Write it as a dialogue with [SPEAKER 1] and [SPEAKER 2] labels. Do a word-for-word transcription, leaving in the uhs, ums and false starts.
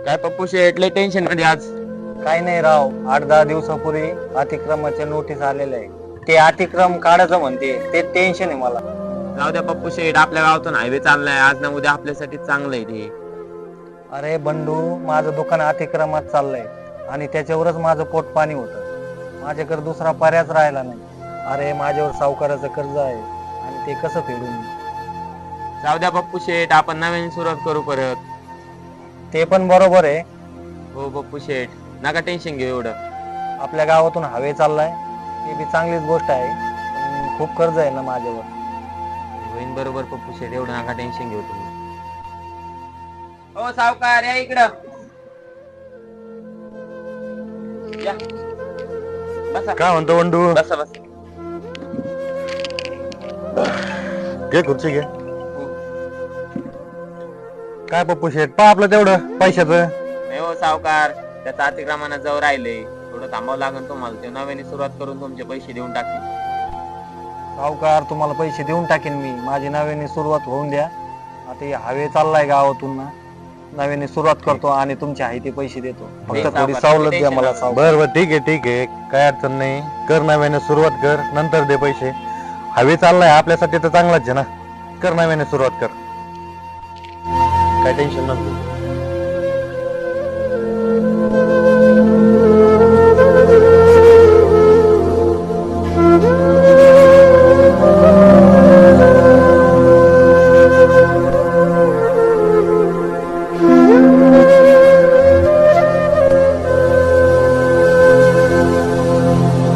[SPEAKER 1] काय पप्पू शेट लय टेन्शन मध्ये आज.
[SPEAKER 2] काही नाही राव, आठ दहा दिवसापूर्वी अतिक्रमाचे नोटीस आलेले आहे. ते अतिक्रम काढायचं म्हणते, ते टेन्शन आहे मला.
[SPEAKER 1] जाऊ द्या पप्पू शेट, आपल्या गावातून हायवे चाललाय, आज ना उद्या आपल्यासाठी चांगलं आहे ते.
[SPEAKER 2] अरे बंडू, माझं दुकान अतिक्रमात चाललंय आणि त्याच्यावरच माझं पोट पाणी होतं. माझ्याकडे दुसरा पर्यायच राहिला नाही. अरे माझ्यावर सावकाराचं कर्ज आहे आणि ते कसं फेडून मी?
[SPEAKER 1] जाऊ द्या पप्पू शेट, आपण नवीन सुरुवात करू परत.
[SPEAKER 2] ते पण बरोबर आहे.
[SPEAKER 1] हो पप्पू शेट, नका टेन्शन घेऊ एवढं.
[SPEAKER 2] आपल्या गावातून हवे चाललाय, ती बी चांगलीच गोष्ट आहे. पण खूप कर्ज आहे ना माझ्यावर.
[SPEAKER 1] होईन बरोबर पप्पू शेट, एवढं नका टेन्शन घेऊ तुम्ही. हो सावकार, या इकडं या. बसा.
[SPEAKER 3] काय म्हणतो बंडू?
[SPEAKER 1] बसा बसा.
[SPEAKER 3] घे खुर्ची घे. काय पप्पू शेट, पहा आपलं तेवढं पैशाचं.
[SPEAKER 1] नाही हो सावकार, त्याचं अतिक्रमणात जाऊ राहिले, थोडं थांबावं लागेल तुम्हाला. ते नव्याने सुरुवात करून तुमचे पैसे देऊन टाकतील.
[SPEAKER 2] सावकार, तुम्हाला पैसे देऊन टाकेन मी. माझी नव्याने सुरुवात होऊन द्या. आता हे हवे चाललाय गावातून ना, नव्याने सुरुवात करतो आणि तुमचे आहे ते पैसे देतो.
[SPEAKER 1] नाही,
[SPEAKER 2] फक्त थोडी
[SPEAKER 1] सावकार,
[SPEAKER 2] सवलत द्या
[SPEAKER 1] tension
[SPEAKER 2] मला
[SPEAKER 1] नका.
[SPEAKER 2] सावकार.
[SPEAKER 3] बर बर ठीक आहे ठीक आहे, काय अडचण नाही. कर नव्याने सुरुवात कर, नंतर दे पैसे. हवे चाललाय आपल्यासाठी तर चांगलाच आहे ना. कर नव्याने सुरुवात कर, काय टेन्शन नको.